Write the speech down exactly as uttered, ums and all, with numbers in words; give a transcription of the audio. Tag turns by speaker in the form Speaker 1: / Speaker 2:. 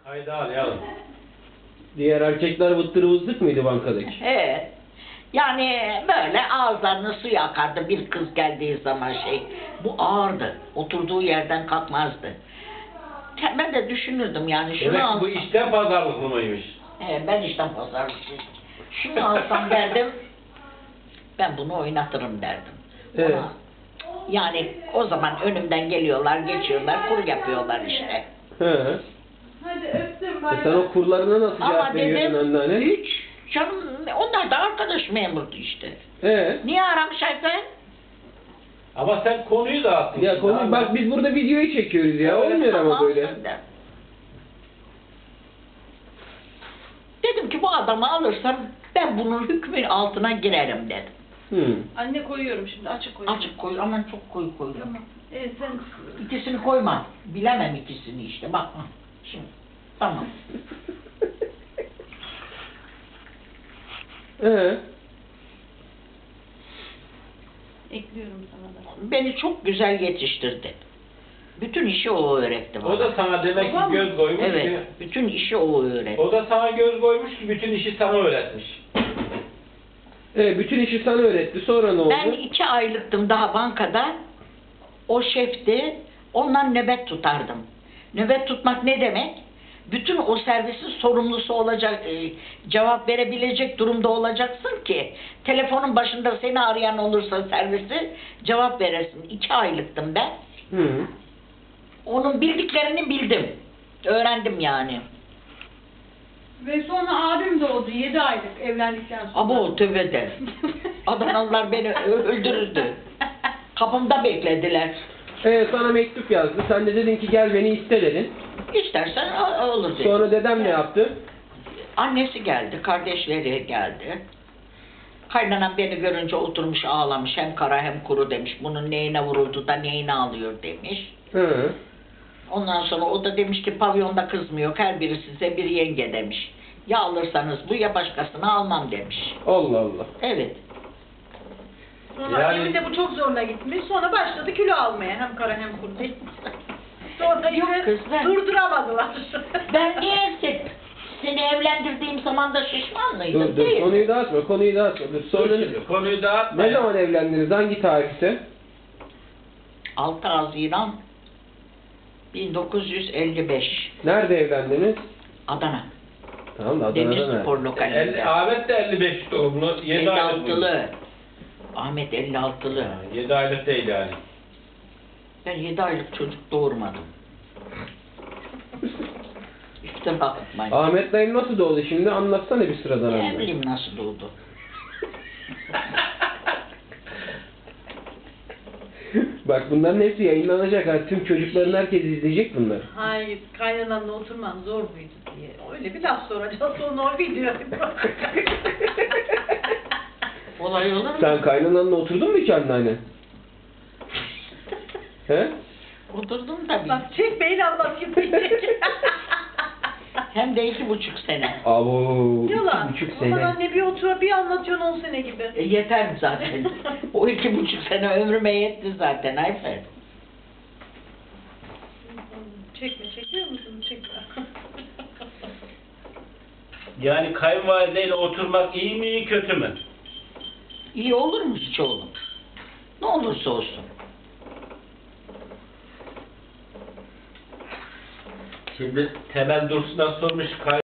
Speaker 1: Haydi arayalım.
Speaker 2: Diğer erkekler vıttır vızlık mıydı bankadaki?
Speaker 3: Evet. Yani böyle ağızlarını suya akardı bir kız geldiği zaman şey. Bu ağırdı. Oturduğu yerden kalkmazdı. Ben de düşünürdüm yani şunu
Speaker 1: Demek
Speaker 3: alsam.
Speaker 1: bu işten pazarlıklı mıymış?
Speaker 3: He, ben işten pazarlıklıyım. Şunu alsam derdim. Ben bunu oynatırım derdim.
Speaker 2: Evet.
Speaker 3: Ona, yani o zaman önümden geliyorlar, geçiyorlar, kur yapıyorlar işte.
Speaker 2: He.
Speaker 4: Hadi öptüm
Speaker 2: E
Speaker 4: bay
Speaker 2: sen o kurlarına nasıl
Speaker 3: Ama
Speaker 2: cevap veriyordun
Speaker 3: dedim,
Speaker 2: anneanne?
Speaker 3: hiç canım, onlar da arkadaş memurdu işte.
Speaker 2: He.
Speaker 3: Niye aramış efendim?
Speaker 1: Ama sen konuyu dağıttın.
Speaker 2: Ya
Speaker 1: şimdi
Speaker 2: konu
Speaker 1: abi.
Speaker 2: bak biz burada videoyu çekiyoruz ya.
Speaker 1: Evet,
Speaker 2: Olmuyor ama
Speaker 3: Tamam,
Speaker 2: böyle.
Speaker 3: sen de. Dedim ki bu adamı alırsam ben bunun hükmü altına girerim dedim.
Speaker 2: Hı.
Speaker 4: Anne koyuyorum şimdi açık koyuyorum.
Speaker 3: Açık koy, aman çok koyu koy.
Speaker 4: Tamam. Evet sen
Speaker 3: İkisini koyma. Bilemem ikisini işte. Bak hı, şimdi. Tamam.
Speaker 2: Ee,
Speaker 4: ekliyorum sana da.
Speaker 3: Beni çok güzel yetiştirdi. Bütün işi o öğretti bana.
Speaker 1: O da sana demek ki
Speaker 4: Babam-
Speaker 1: göz koymuş
Speaker 3: Evet.
Speaker 1: ki.
Speaker 3: Bütün işi o öğretti.
Speaker 1: O da sana göz koymuş ki bütün işi sana öğretmiş.
Speaker 2: e, bütün işi sana öğretti. Sonra ne oldu?
Speaker 3: Ben iki aylıktım daha bankada. O şefti. Ondan nöbet tutardım. Nöbet tutmak ne demek? Bütün o servisin sorumlusu olacak, e, cevap verebilecek durumda olacaksın ki telefonun başında seni arayan olursa servisi cevap veresin. İki aylıktım ben.
Speaker 2: Hı.
Speaker 3: Onun bildiklerini bildim. Öğrendim yani.
Speaker 4: Ve sonra abim doğdu yedi aylık evlendikten sonra.
Speaker 3: Ama o tövbede. Adanalılar beni ö- öldürürdü. Kapımda beklediler.
Speaker 2: E, sana mektup yazdı. Sen de dedin ki gel beni iste dedin.
Speaker 3: İstersen o- olur dedi.
Speaker 2: Sonra dedem ne yaptı?
Speaker 3: Annesi geldi, kardeşleri geldi. Kaynanam beni görünce oturmuş ağlamış. Hem kara hem kuru demiş. Bunun neyine vuruldu da neyine alıyor demiş.
Speaker 2: Hı.
Speaker 3: Ondan sonra o da demiş ki pavyonda kız mı yok, her biri size bir yenge demiş. Ya alırsanız bu ya başkasını almam demiş.
Speaker 2: Allah Allah.
Speaker 3: Evet.
Speaker 4: Sonra
Speaker 1: Yani-
Speaker 4: annemin de bu çok zoruna gitmiş. Sonra başladı kilo almaya hem kara hem kuru. Sonra
Speaker 3: Yok
Speaker 4: yine
Speaker 3: kız, ben-
Speaker 4: durduramadılar.
Speaker 3: Ben niye se- seni evlendirdiğim zaman da şişman mıydım?
Speaker 2: Dur dur
Speaker 3: Değil.
Speaker 2: konuyu dağıtma konuyu dağıtma. Dur.
Speaker 1: Sonra
Speaker 2: Sonra
Speaker 1: şimdi konuyu dağıtma.
Speaker 2: ne
Speaker 1: ya.
Speaker 2: zaman evlendiniz? Hangi tarihte?
Speaker 3: altı Haziran bin dokuz yüz elli beş
Speaker 2: Nerede evlendiniz?
Speaker 3: Adana.
Speaker 2: Tamam da Adana'da
Speaker 3: Demir
Speaker 2: nerede?
Speaker 3: Spor lokalinde.
Speaker 1: El, Ahmet de elli beş doğumlu. yedi aylık.
Speaker 3: elli altılı. Ahmet elli altılı.
Speaker 1: yedi aylık değil yani.
Speaker 3: Ben yedi aylık çocuk doğurmadım. İşte bakmayın.
Speaker 2: Ahmet dayım nasıl doğdu şimdi? Anlatsana bir sıradan
Speaker 3: Ne
Speaker 2: önce.
Speaker 3: bileyim nasıl doğdu.
Speaker 2: Bak bunların hepsi yayınlanacak ha. Tüm çocukların herkes izleyecek bunları.
Speaker 4: Hayır, kaynananla oturman zor muydu diye. Öyle bir laf soracağız sonra o video.
Speaker 3: Olay olur mu?
Speaker 2: Sen kaynananla oturdun mu hiç anneanne? He?
Speaker 3: Oturdum tabii.
Speaker 4: Bak çekmeyin anlatayım diyecek.
Speaker 3: Hem de iki buçuk sene.
Speaker 2: Abo, iki
Speaker 4: Yalan.
Speaker 2: buçuk
Speaker 4: Aman
Speaker 2: sene.
Speaker 4: anne bir otur bir anlatıyorsun on sene gibi.
Speaker 3: E, yeter zaten. O iki buçuk sene ömrüme yetti zaten Ayfer.
Speaker 4: Çekme, çekiyor musun? Çekme.
Speaker 1: Yani kayınvalideyle oturmak iyi mi kötü mü?
Speaker 3: İyi olur mu hiç oğlum? Ne olursa olsun.
Speaker 1: Şimdi Temel Dursun'a sormuş kay